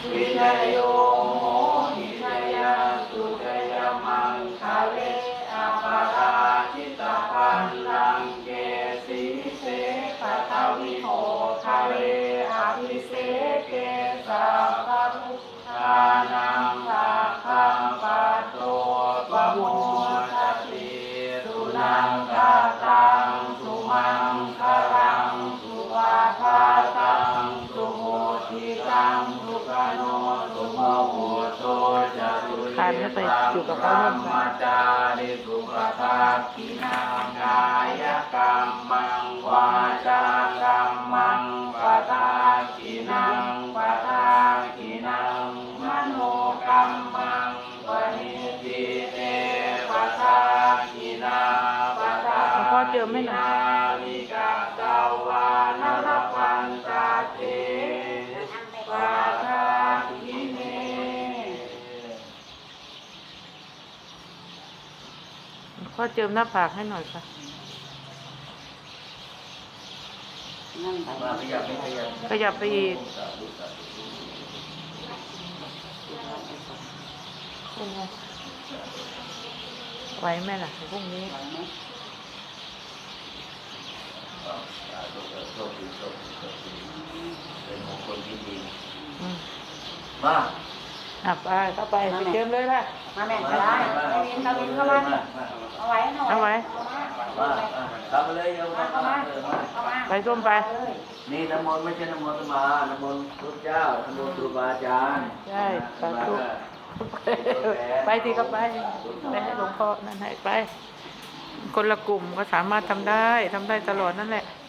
วิจโยโมหิชยาสุจยมังคะเลอปาราชิตาปันลังเกสีเสปะทวิโหคะเลอภิเสเกสัพพะพุทธานังสัพพังปัตโตปะโมทติสุนังกาตังสุมังคลังสุวาทาตังสุโหติตังสุกโนสุโมโหโตจะตุเยตัมมัจจาริสุขทักขินังกายกรรมังวาจากรรมังปะทาขินังปะทาขินังมโนกรรมังปณิทิเตปะทาขินาปะทาขินาวิกาตาวานรพันตาเตปะทาขิเนพ่อเจิมหน้าผากให้หน่อยค่ะขยับไปอีกไหวไหมล่ะพรุ่งนี้เป็นมงคลที่ดีมาไปเข้าไปเจิมเลยค่ะมาแม่ได้ตาวินเข้ามาเอาไว้เอาไว้ทำมาเลยเอามาไปส้มไปนี่น้ำมนต์ไม่ใช่น้ำมนต์มาน้ำมนต์พระเจ้าน้ำมนต์ครูบาอาจารย์ใช่สาธุไปทีก็ไปให้หลวงพ่อนั่นให้ไปคนละกลุ่มก็สามารถทำได้ตลอดนั่นแหละ